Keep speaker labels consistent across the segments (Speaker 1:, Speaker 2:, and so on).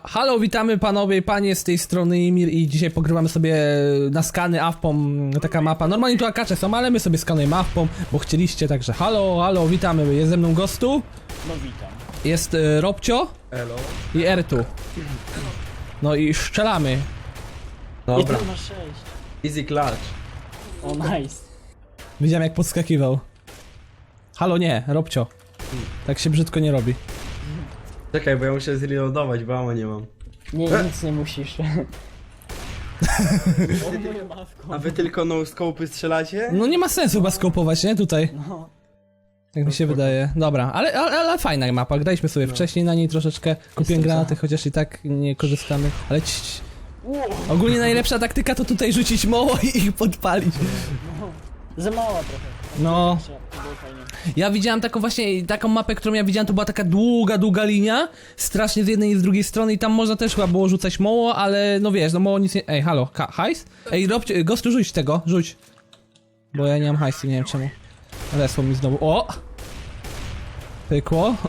Speaker 1: Halo, witamy panowie i panie, z tej strony Imir i dzisiaj pogrywamy sobie na skany AWPom, taka mapa. Normalnie tu akacze są, ale my sobie skanujemy AWPom, bo chcieliście, także halo, witamy. Jest ze mną Gostu.
Speaker 2: No witam.
Speaker 1: Jest Robcio.
Speaker 3: Elo.
Speaker 1: I Ertu. No i strzelamy.
Speaker 3: Dobra.
Speaker 2: 1 na 6.
Speaker 3: Easy clutch.
Speaker 2: O nice.
Speaker 1: Widziałem jak podskakiwał. Halo, nie, Robcio. Tak się brzydko nie robi.
Speaker 3: Czekaj, bo ja muszę zreloadować, bo ammo nie mam.
Speaker 2: Nie, nic nie musisz.
Speaker 3: A wy tylko no scope'y strzelacie?
Speaker 1: No nie ma sensu chyba skopować, nie? Tutaj.
Speaker 2: No.
Speaker 1: Tak mi się wydaje. Dobra, ale fajna mapa. Graliśmy sobie wcześniej na niej troszeczkę. Kupiłem granaty, chociaż i tak nie korzystamy. Ale ogólnie najlepsza taktyka to tutaj rzucić moło i ich podpalić.
Speaker 2: No. Za mała trochę.
Speaker 1: No.
Speaker 2: To było fajnie.
Speaker 1: Ja widziałem taką mapę, którą ja widziałem, to była taka długa linia. Strasznie z jednej i z drugiej strony i tam można też chyba było rzucać moło, ale no wiesz, no moło nic nie... Ej, halo, hajs? Ej, Gostu, rzuć tego, rzuć. Bo ja nie mam hajsu, nie wiem czemu. Lesło mi znowu. O! Pykło.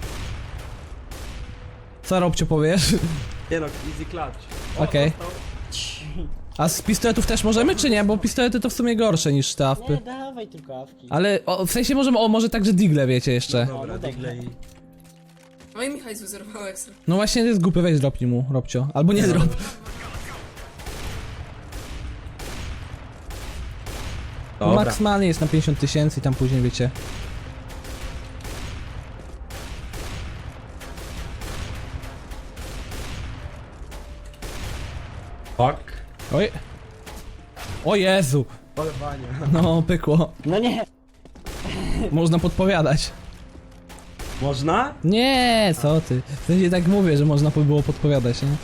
Speaker 1: Co, Robcio, powiesz?
Speaker 3: Nie no, easy clutch.
Speaker 1: Okej. A z pistoletów też możemy, czy nie? Bo pistolety to w sumie gorsze niż te
Speaker 2: Nie,
Speaker 1: awpy.
Speaker 2: dawaj tylko awki.
Speaker 1: Ale w sensie możemy, może także digle, wiecie, jeszcze.
Speaker 3: Dobra,
Speaker 2: no tak.
Speaker 3: digle i...
Speaker 4: No i Michał zerwał ekstra.
Speaker 1: No właśnie, to jest głupie, weź dropnij mu, Robcio. Albo nie drop.
Speaker 3: Dobra.
Speaker 1: Maksymalnie jest na 50 000 i tam później, wiecie.
Speaker 3: Fuck.
Speaker 1: Oj. O Jezu.
Speaker 3: Polewanie.
Speaker 1: No, pykło.
Speaker 2: No nie.
Speaker 1: Można podpowiadać.
Speaker 3: Można?
Speaker 1: Nie, co ty. W sensie tak mówię, że można by było podpowiadać, nie?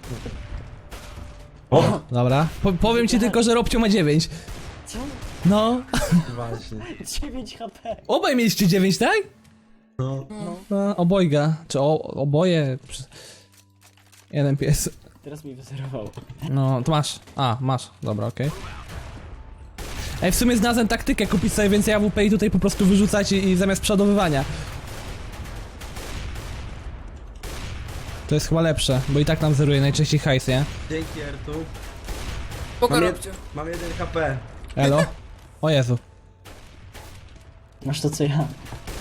Speaker 3: O!
Speaker 1: Dobra. Powiem ci tylko, że Robcio ma 9.
Speaker 2: Co?
Speaker 1: No.
Speaker 3: Właśnie.
Speaker 2: 9 HP.
Speaker 1: Obaj mieliście 9, tak?
Speaker 3: No.
Speaker 1: No, obojga. Czy oboje? Jeden pies.
Speaker 2: Teraz mi wyzerowało.
Speaker 1: No, to masz. A, masz. Dobra, okej. Ej, w sumie znalazłem taktykę, kupić sobie więcej AWP i tutaj po prostu wyrzucać i zamiast przodowywania. To jest chyba lepsze, bo i tak nam zeruje najczęściej hajs, nie?
Speaker 3: Dzięki Ertu.
Speaker 4: Poka
Speaker 3: Mam,
Speaker 4: robcie.
Speaker 3: mam 1 HP.
Speaker 1: Elo? O Jezu.
Speaker 2: Masz to co ja.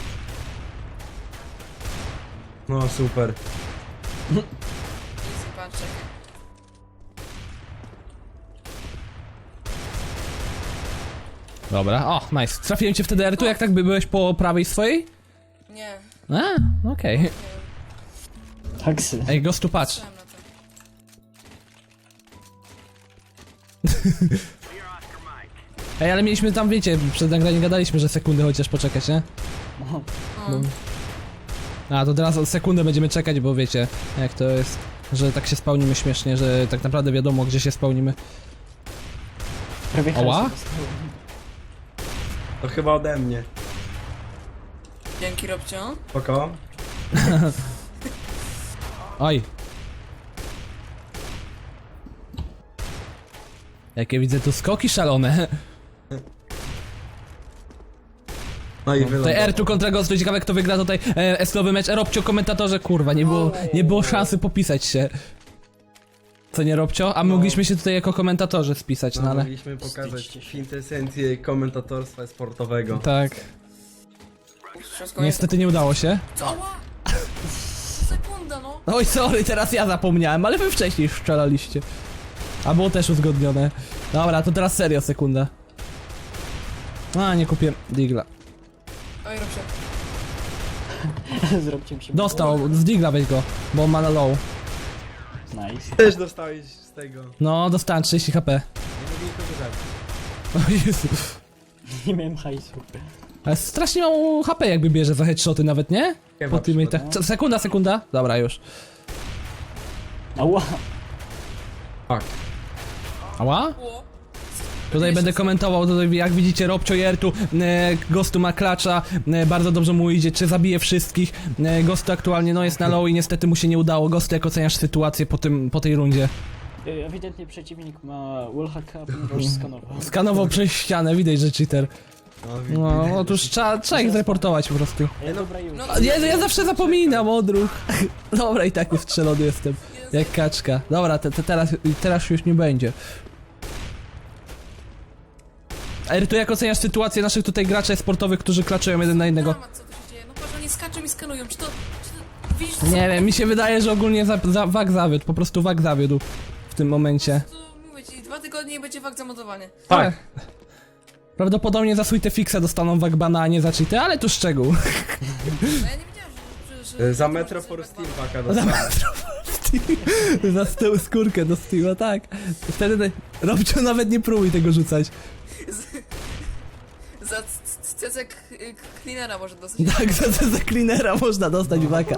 Speaker 3: No super.
Speaker 4: Easy punch.
Speaker 1: Dobra, o, nice. Trafiłem cię wtedy, Ertu, jak tak byłeś po prawej swojej?
Speaker 4: Nie,
Speaker 1: A, okej.
Speaker 2: Taksy.
Speaker 1: Ej, Gostu, patrz.
Speaker 4: myślałem na to.
Speaker 1: Ej, ale mieliśmy tam, wiecie, przed nagraniem gadaliśmy, że sekundę chociaż poczekać, nie?
Speaker 2: No.
Speaker 1: A, to teraz o sekundę będziemy czekać, bo wiecie, jak to jest, że tak się spełnimy śmiesznie, że tak naprawdę wiadomo, gdzie się spełnimy.
Speaker 2: Prawie
Speaker 1: Ała?
Speaker 2: hajsu dostałem.
Speaker 3: To chyba ode mnie.
Speaker 4: Dzięki robcio.
Speaker 3: Spoko.
Speaker 1: Oj. Jakie widzę tu skoki szalone.
Speaker 3: No i
Speaker 1: Tutaj
Speaker 3: wylądował.
Speaker 1: R tu kontra Ghostu, ciekawe kto wygra tutaj eslowy mecz. Robcio, komentatorze, kurwa, nie było szansy popisać się. Co nie, Robcio? A my mogliśmy się tutaj jako komentatorzy spisać, no
Speaker 3: No,
Speaker 1: ale...
Speaker 3: mogliśmy pokazać
Speaker 2: Wstydźcie się.
Speaker 3: kwintesencję komentatorstwa sportowego.
Speaker 1: Tak,
Speaker 4: Wszystko
Speaker 1: niestety nie udało się.
Speaker 4: Co? Ała! Sekunda, no.
Speaker 1: Oj, sorry, teraz ja zapomniałem, ale wy wcześniej strzelaliście. A było też uzgodnione. Dobra, to teraz serio, sekunda. A, nie kupię digla.
Speaker 4: Oj, robcio.
Speaker 2: Zrobcie mi się.
Speaker 1: Dostał, z digla weź go, bo on ma na low.
Speaker 2: Nice.
Speaker 3: Też dostałeś z tego.
Speaker 1: No, dostałem 30 HP.
Speaker 3: Nie mogę nikogo zabić.
Speaker 1: O Jezu.
Speaker 2: Nie miałem hajsu.
Speaker 1: Ale strasznie mało HP jakby bierze za headshoty nawet, nie?
Speaker 3: Chyba
Speaker 1: Po tym i tak. Sekunda. Dobra, już.
Speaker 2: Ała.
Speaker 3: Fuck.
Speaker 1: Ała?
Speaker 4: Było.
Speaker 1: Tutaj będę komentował, tutaj jak widzicie Robcio Jertu, Gostu ma klacza, bardzo dobrze mu idzie, czy zabije wszystkich. Gostu aktualnie no jest na low i niestety mu się nie udało. Gostu, jak oceniasz sytuację po tej rundzie?
Speaker 2: Ewidentnie przeciwnik ma wallhacka, ponieważ skanował.
Speaker 1: Skanował przez ścianę, widać, że cheater. No, otóż trzeba ich zreportować po prostu.
Speaker 2: Dobra już.
Speaker 4: No,
Speaker 1: Ja zawsze zapominam o odruch. Dobra, i tak ustrzelony jestem.
Speaker 4: Jeden
Speaker 1: Jak kaczka. Dobra, teraz już nie będzie. Ej, tu jak oceniasz sytuację naszych tutaj graczy sportowych, którzy klaczują jeden na jednego?
Speaker 4: Dramat, co tu się dzieje? No patrz, oni skaczą i skanują. Czy to widzisz, co
Speaker 1: Nie wiem, mi się wydaje, że ogólnie wag zawiódł, po prostu wag zawiódł w tym momencie.
Speaker 4: to mówię ci, 2 tygodnie i będzie fakt zamontowanie.
Speaker 3: Tak.
Speaker 1: Prawdopodobnie za Sweet Fixa dostaną wag bana, a nie za cheaty, ale to szczegół.
Speaker 4: No ja nie wiedziałem, że
Speaker 3: Za Metro for Steam paka dostałem.
Speaker 1: Za tył skórkę do Steama, tak. Wtedy Robcio nawet nie próbuj tego rzucać.
Speaker 4: Za cecek cleanera może dosyć.
Speaker 1: Tak, za cleanera można dostać waka.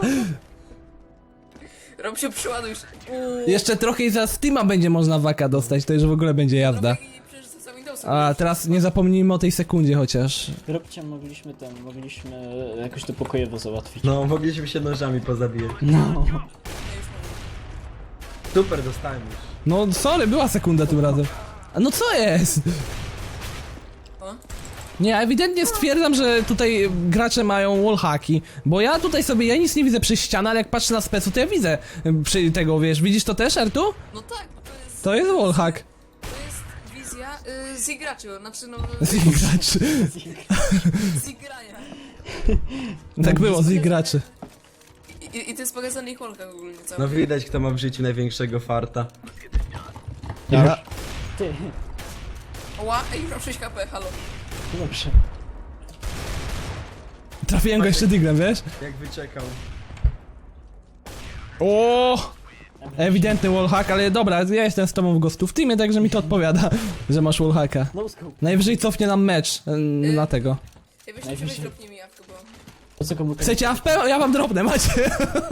Speaker 4: Rob się przyładujesz.
Speaker 1: Jeszcze trochę i za Steama będzie można waka dostać, to już w ogóle będzie jazda.
Speaker 4: I przecież za Windowsem.
Speaker 1: A teraz nie zapomnijmy o tej sekundzie chociaż.
Speaker 2: Robcie, mogliśmy jakoś to pokojowo załatwić.
Speaker 3: No, mogliśmy się nożami pozabijać.
Speaker 2: No.
Speaker 3: Super, dostałem już.
Speaker 1: No sorry, była sekunda tym razem. A no co jest?
Speaker 4: O?
Speaker 1: Nie, ewidentnie stwierdzam, że tutaj gracze mają wallhacki, bo ja tutaj sobie, ja nic nie widzę przez ścianę, ale jak patrzę na specu, to ja widzę przy tego, wiesz, widzisz to też, Artu?
Speaker 4: No tak, bo
Speaker 1: To jest wallhack.
Speaker 4: to jest wizja z graczy, znaczy no
Speaker 1: Z ich graczy.
Speaker 4: z grania.
Speaker 1: Tak było, z ich graczy.
Speaker 4: I to jest pokazane ich holkach ogólnie cały.
Speaker 3: No widać, kto ma w życiu największego farta.
Speaker 1: Ja.
Speaker 2: Ty,
Speaker 4: Ła, ej, już mam 6 HP, halo.
Speaker 2: dobrze.
Speaker 1: Trafiłem go jeszcze diglem, wiesz?
Speaker 3: Jak wyczekał.
Speaker 1: O! Ewidentny wallhack, ale dobra, ja jestem z tobą w gostu w teamie, także mi to odpowiada, że masz wallhacka.
Speaker 2: No scope.
Speaker 1: Najwyżej cofnie nam mecz na tego.
Speaker 4: Ej, weźcie
Speaker 2: Najwyżej.
Speaker 4: sobie dropnij mi jawkę, bo...
Speaker 2: Po co komu
Speaker 1: Chcecie AFP? Ja wam drobne, macie.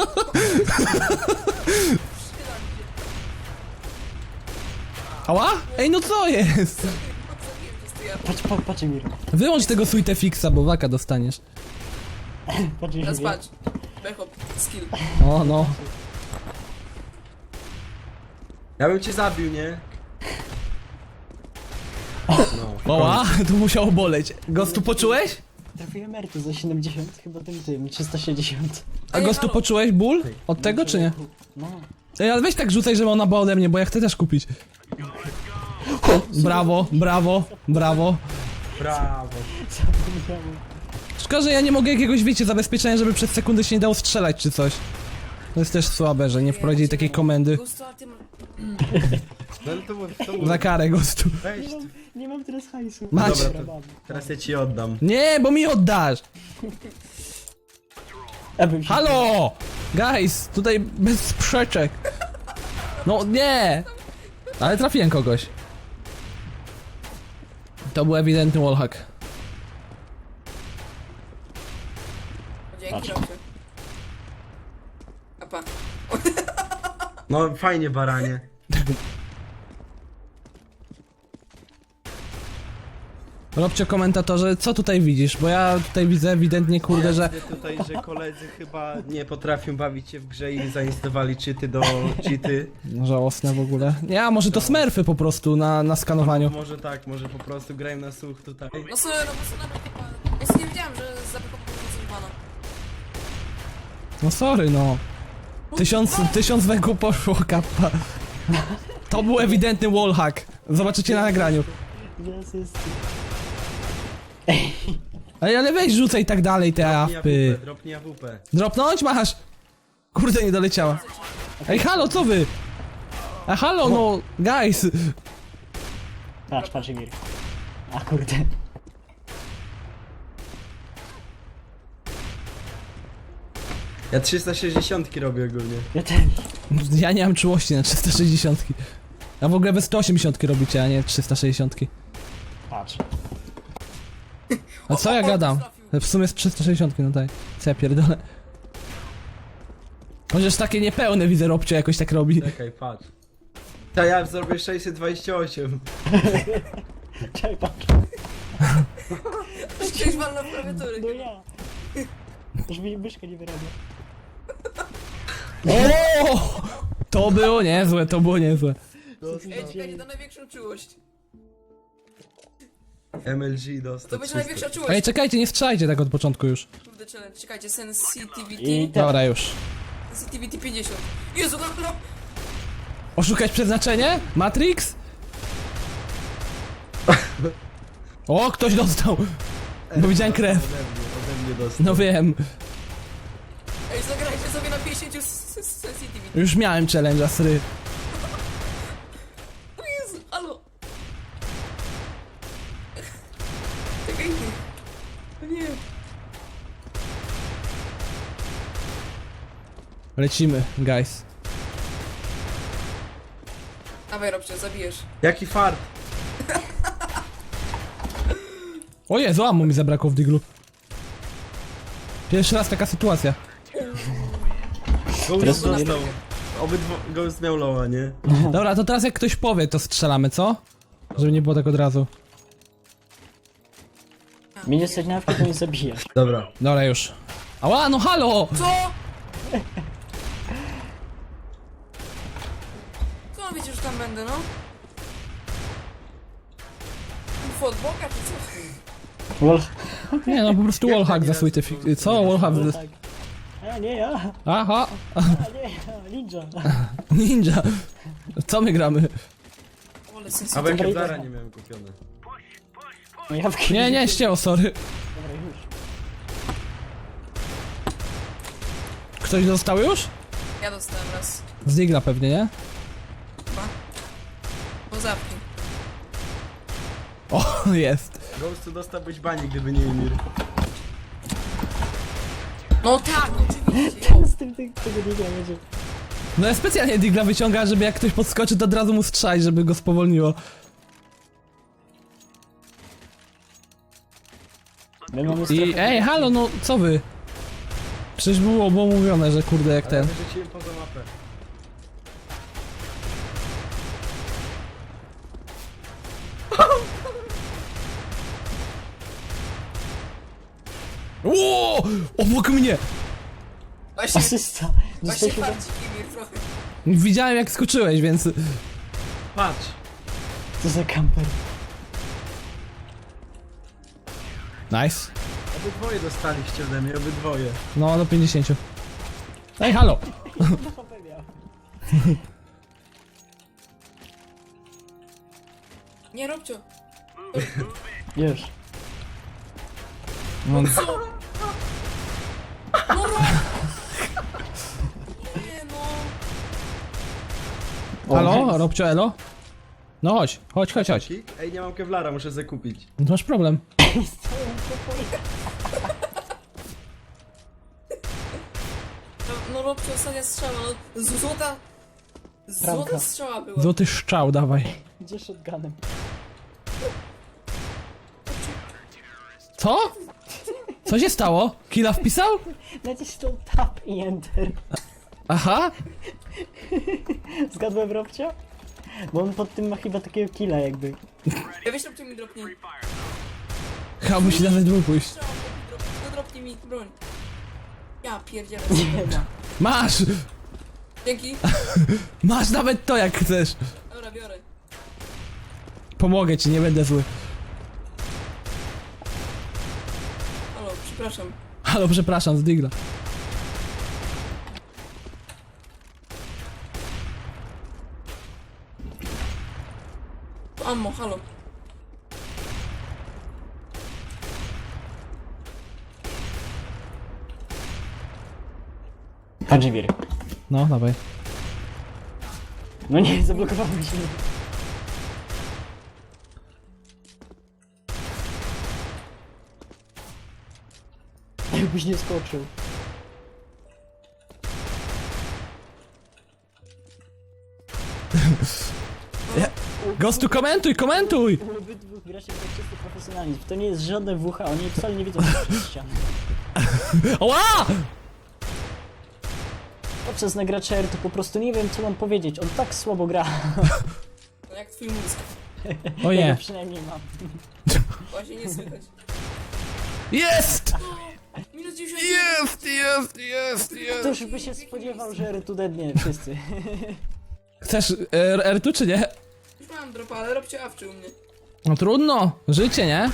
Speaker 1: Ała? Ej, no co jest?
Speaker 2: Patrz Emir.
Speaker 1: Wyłącz tego Sweet Fixa, bo waka dostaniesz.
Speaker 2: Patrz
Speaker 4: Teraz
Speaker 2: Emir.
Speaker 4: patrz. Bechop, skill.
Speaker 1: O, no.
Speaker 3: Ja bym cię zabił, nie? No.
Speaker 1: Oła, to musiało boleć. Gostu poczułeś?
Speaker 2: Trafiłem Mertu za 70, chyba tym 360.
Speaker 1: A
Speaker 4: Ej,
Speaker 1: gostu
Speaker 4: halo.
Speaker 1: poczułeś ból? Od tego czy nie?
Speaker 2: No.
Speaker 1: Ej, ale weź tak rzucaj, żeby ona była ode mnie, bo ja chcę też kupić. Brawo, brawo, brawo.
Speaker 3: Brawo.
Speaker 2: Zapomniałem.
Speaker 1: Szkoda, że ja nie mogę jakiegoś, wiecie, zabezpieczenia, żeby przez sekundę się nie dało strzelać czy coś. To jest też słabe, że nie wprowadzili takiej komendy.
Speaker 4: Gusto, a ty ma...
Speaker 3: No ale to
Speaker 1: Za karę gostu.
Speaker 3: weź.
Speaker 2: Nie mam teraz hajsu.
Speaker 1: Macie.
Speaker 3: Dobra, to teraz ja ci oddam.
Speaker 1: Nie, bo mi oddasz.
Speaker 2: Abym się...
Speaker 1: Halo! Guys, tutaj bez sprzeczek. No nie! Ale trafiłem kogoś. To był ewidentny wallhack.
Speaker 4: Dzięki,
Speaker 2: Patrz.
Speaker 4: Robcie. Apa.
Speaker 3: No fajnie, baranie.
Speaker 1: Robcie komentatorze, co tutaj widzisz? Bo ja tutaj widzę ewidentnie, kurde, że...
Speaker 3: Widzę tutaj, że koledzy chyba nie potrafią bawić się w grze i zainstalowali cheaty do cheaty.
Speaker 1: Żałosne w ogóle. Nie, a może to smurfy po prostu na skanowaniu.
Speaker 3: Może tak, może po prostu grają na słuch tutaj.
Speaker 4: No sorry, no bo co nawet chyba... Ja sobie nie wiedziałem, że za Bechop coś bana.
Speaker 1: No sorry, no. 1000 węgów poszło, kappa. To był ewidentny wallhack. Zobaczycie na nagraniu.
Speaker 2: Jest.
Speaker 1: Ej, ale weź rzucaj i tak dalej te AFPy.
Speaker 3: Dropnij AWP.
Speaker 1: Dropnąć masz? Kurde, nie doleciała. Ej, halo, co wy? A halo, no, guys.
Speaker 2: Patrz Emir. A kurde.
Speaker 3: Ja 360 robię ogólnie.
Speaker 2: Ja też.
Speaker 1: Ja nie mam czułości na 360. A w ogóle wy 180 robicie, a nie 360.
Speaker 2: Patrz.
Speaker 1: A co ja gadam? W sumie jest 360, no tak. Co ja pierdolę? Chociaż takie niepełne widzę, Robcio jakoś tak robi.
Speaker 3: Czekaj, patrz. Ta ja zrobię 628.
Speaker 2: Czekaj, patrz.
Speaker 4: Ktoś walnął w klawiatury.
Speaker 2: No ja. Już mi myszka nie wyrabia.
Speaker 1: O! To było niezłe, to było niezłe.
Speaker 4: Ej, czekajcie, na największą czułość.
Speaker 3: MLG dostał.
Speaker 4: To będzie największa czułość.
Speaker 1: Ej, czekajcie, nie strzelajcie tak od początku już.
Speaker 4: Kurde, challenge. Czekajcie, sensitivity.
Speaker 2: I te...
Speaker 1: Dobra, już.
Speaker 4: Sensitivity 50. Jezu, no, no.
Speaker 1: Oszukać przeznaczenie? Matrix? O, ktoś dostał! Bo widziałem krew.
Speaker 3: Ode mnie dostał.
Speaker 1: No wiem.
Speaker 4: Ej, zagrajcie sobie na 50 sensitivity.
Speaker 1: Już miałem challenge'a, sry.
Speaker 4: O Jezu, alo. Czekaj. O nie.
Speaker 1: Lecimy, guys.
Speaker 4: Dawaj, Robcie, zabijesz.
Speaker 3: Jaki fart.
Speaker 1: O Jezu, ammo mi zabrakło w diglu. Pierwszy raz taka sytuacja.
Speaker 3: Ghost dostał. Ghost miał loła, nie?
Speaker 1: Dobra, to teraz jak ktoś powie, to strzelamy, co? Żeby nie było tak od razu.
Speaker 2: Mnie nie stać na awkę, to nie zabijasz.
Speaker 3: Dobra.
Speaker 1: Dobra, już. Ała, no halo!
Speaker 4: Co? Co on wiecie, że tam będę, no? Ufo od boka, czy co?
Speaker 2: Lol.
Speaker 1: Nie no, po prostu wallhack za sweety co? Wallhack...
Speaker 2: Tak. A nie ja,
Speaker 1: Aha!
Speaker 2: a nie ja, ninja.
Speaker 1: Ninja! Co my gramy?
Speaker 4: Ole,
Speaker 3: A
Speaker 4: sensitivity.
Speaker 3: bo ja
Speaker 2: Dobra,
Speaker 3: Kevlara
Speaker 2: idę.
Speaker 3: nie miałem kupione.
Speaker 2: No jawki.
Speaker 1: Nie, nie, ścięło, sorry.
Speaker 2: Dobra, już.
Speaker 1: Ktoś dostał już?
Speaker 4: Ja dostałem raz.
Speaker 1: Z digla pewnie, nie?
Speaker 4: Chyba. Bo zapki.
Speaker 1: O, jest.
Speaker 3: Ghostu dostałbyś bani, gdyby nie Emir.
Speaker 4: No tak, oczywiście.
Speaker 2: Z tym tego nie będzie.
Speaker 1: No ja specjalnie digla wyciąga, żeby jak ktoś podskoczy, to od razu mu strzać, żeby go spowolniło.
Speaker 2: My mamy
Speaker 1: I
Speaker 2: strefę.
Speaker 1: ej, halo, no co wy? Przecież było mówione, że kurde jak
Speaker 3: Ale
Speaker 1: ten.
Speaker 3: wyrzuciłem poza mapę.
Speaker 1: Ło! Obok mnie!
Speaker 4: Właśnie,
Speaker 2: Asysta.
Speaker 4: właśnie
Speaker 2: Dostaliśmy
Speaker 4: farcik Emir trochę.
Speaker 1: Widziałem jak skoczyłeś, więc...
Speaker 3: Patrz.
Speaker 2: co za kamper.
Speaker 1: Nice.
Speaker 3: Obydwoje dostaliście ode mnie, obydwoje.
Speaker 1: No, do 50. Ej, halo!
Speaker 4: Nie, Robcio.
Speaker 2: Już.
Speaker 1: No,
Speaker 4: Co? No Rob! Nie no.
Speaker 1: halo? Robcio, elo? No chodź, chodź, chodź, chodź.
Speaker 3: Kik? Ej, nie mam Kevlara, muszę zakupić.
Speaker 1: No masz problem.
Speaker 4: No Robcio, ostatnia strzała, no. Złota...
Speaker 2: Bramka.
Speaker 4: Złota strzała była.
Speaker 1: Złoty szczał, dawaj.
Speaker 2: Gdzie shotgunem?
Speaker 1: Co? Co się stało? Killa wpisał?
Speaker 2: Nacisnął tab i enter.
Speaker 1: Aha.
Speaker 2: Zgadłem, Robcio? Bo on pod tym ma chyba takiego killa jakby.
Speaker 4: Ja wiesz, Robcio mi dropnie.
Speaker 1: Chyba musi nawet dwóch pójść.
Speaker 4: Strzała, no dropnie mi broń. Ja pierdzielę.
Speaker 2: Nie ma.
Speaker 1: Masz!
Speaker 4: Dzięki.
Speaker 1: Masz nawet to jak chcesz.
Speaker 4: Dobra, biorę.
Speaker 1: Pomogę ci, nie będę zły.
Speaker 4: Halo, przepraszam.
Speaker 1: Halo, przepraszam, z digla.
Speaker 4: To ammo, halo.
Speaker 2: Hadżibir.
Speaker 1: No, dawaj.
Speaker 2: No nie, zablokowałeś mnie. Jakbyś nie skoczył.
Speaker 1: Gostu, komentuj, komentuj!
Speaker 2: Obydwu gracie w tak czysty profesjonalizm. To nie jest żadne WH, oni wcale nie wiedzą, co przez ścianę.
Speaker 1: Oła!
Speaker 2: Podczas nagracza R to po prostu nie wiem, co mam powiedzieć. On tak słabo gra.
Speaker 4: No jak twój mózg.
Speaker 1: O
Speaker 2: Ja
Speaker 1: nie.
Speaker 2: go przynajmniej mam.
Speaker 4: Właśnie nie słychać.
Speaker 1: Jest!
Speaker 4: Minus 90.
Speaker 2: To już by się spodziewał, że R tu dednie wszyscy.
Speaker 1: Chcesz R2 czy nie?
Speaker 4: Już mam dropa, ale Robcio awczy u mnie.
Speaker 1: No trudno, życie, nie?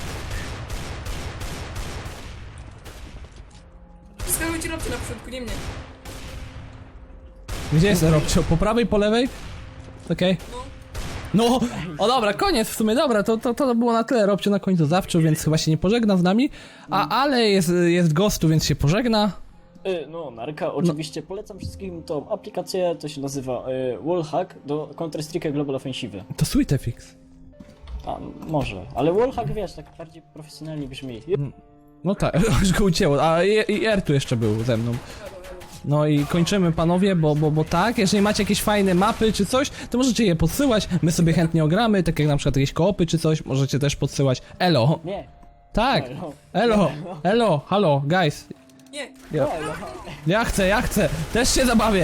Speaker 4: Skarbujcie Robcio na początku, nie mnie.
Speaker 1: Gdzie jest Robcio? Po prawej, po lewej? Okej. No, o dobra, koniec w sumie, dobra, to było na tyle, Robcio na końcu zawczo, więc chyba się nie pożegna z nami, ale jest Ghostu, więc się pożegna.
Speaker 2: No, narka, oczywiście polecam wszystkim tą aplikację, to się nazywa Wallhack do Counter-Strike Global Offensive.
Speaker 1: To Sweetfix.
Speaker 2: A, może, ale Wallhack, wiesz, tak bardziej profesjonalnie brzmi.
Speaker 1: No tak, już go ucięło, a i R tu jeszcze był ze mną. No i kończymy, panowie, bo tak, jeżeli macie jakieś fajne mapy czy coś, to możecie je podsyłać, my sobie chętnie ogramy, tak jak na przykład jakieś koopy czy coś, możecie też podsyłać. Elo.
Speaker 2: Nie.
Speaker 1: Tak.
Speaker 2: Elo.
Speaker 1: Elo, halo, guys.
Speaker 4: Nie.
Speaker 1: Ja chcę, też się zabawię.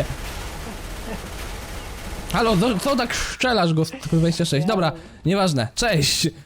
Speaker 1: Halo, co tak szczelasz go z 26? Dobra, nieważne, cześć.